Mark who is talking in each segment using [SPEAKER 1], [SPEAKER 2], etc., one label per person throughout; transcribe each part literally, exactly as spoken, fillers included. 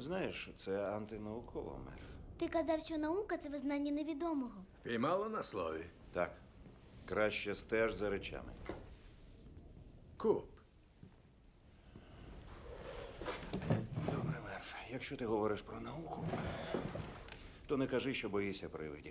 [SPEAKER 1] Знаєш, це антинауково, Мерф.
[SPEAKER 2] Ти казав, що наука – це визнання невідомого.
[SPEAKER 3] Піймало на слові.
[SPEAKER 1] Так. Краще стеж за речами.
[SPEAKER 3] Куп.
[SPEAKER 1] Добре, Мерф. Якщо ти говориш про науку, то не кажи, що боїшся привидів.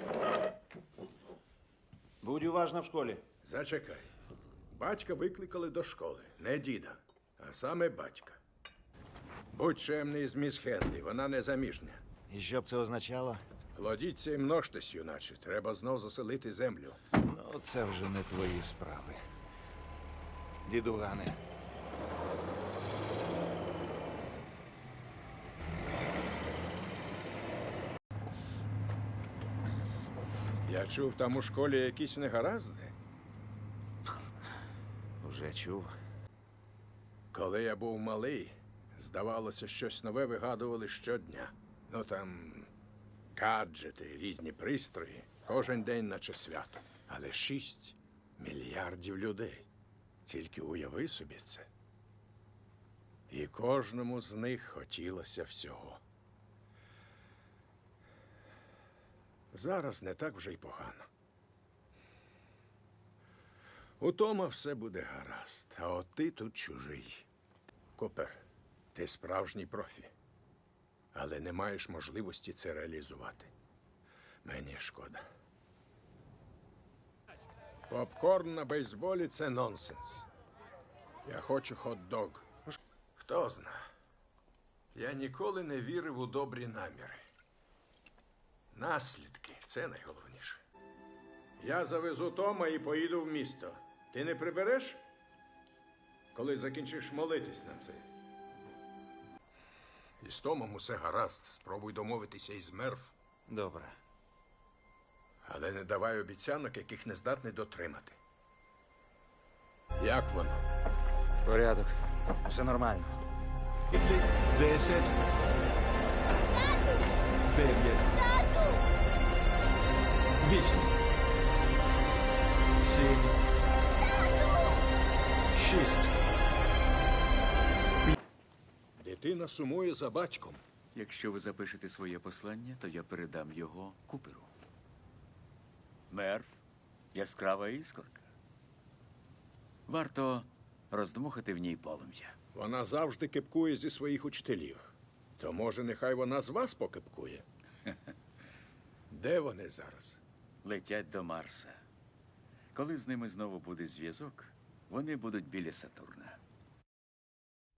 [SPEAKER 1] Будь уважна в школі.
[SPEAKER 3] Зачекай. Батька викликали до школи. Не діда, а саме батька. Будь чемний з міс Хенлі, вона незаміжня.
[SPEAKER 1] І що б це означало?
[SPEAKER 3] Плодіться і множтесь, юначе. Треба знов заселити землю.
[SPEAKER 1] Ну, це вже не твої справи. Дідугане.
[SPEAKER 3] Я чув, там у школі якісь негаразди.
[SPEAKER 1] Вже чув.
[SPEAKER 3] Коли я був малий, здавалося, щось нове вигадували щодня. Ну там гаджети, різні пристрої. Кожен день наче свято. Але шість мільярдів людей. Тільки уяви собі це. І кожному з них хотілося всього. Зараз не так вже й погано. У Тома все буде гаразд, а от ти тут чужий. Купер, ти справжній профі, але не маєш можливості це реалізувати. Мені шкода. Попкорн на бейсболі – це нонсенс. Я хочу хот-дог. Хто зна. Я ніколи не вірив у добрі наміри. Наслідки – це найголовніше. Я завезу Тома і поїду в місто. Ти не прибереш, коли закінчиш молитись на це? І з Томом усе гаразд. Спробуй домовитися із Мерф.
[SPEAKER 1] Добре.
[SPEAKER 3] Але не давай обіцянок, яких не здатний дотримати. Як воно?
[SPEAKER 1] Порядок. Все нормально.
[SPEAKER 4] Десять. Дев'ять. Вісім. Сім. Шість.
[SPEAKER 3] Дитина сумує за батьком.
[SPEAKER 5] Якщо ви запишете своє послання, то я передам його Куперу. Мерф – яскрава іскорка. Варто роздмухати в ній полум'я.
[SPEAKER 3] Вона завжди кипкує зі своїх учителів. То, може, нехай вона з вас покипкує? Де вони зараз?
[SPEAKER 5] Летять до Марса. Коли з ними знову буде зв'язок, вони будуть біля Сатурна.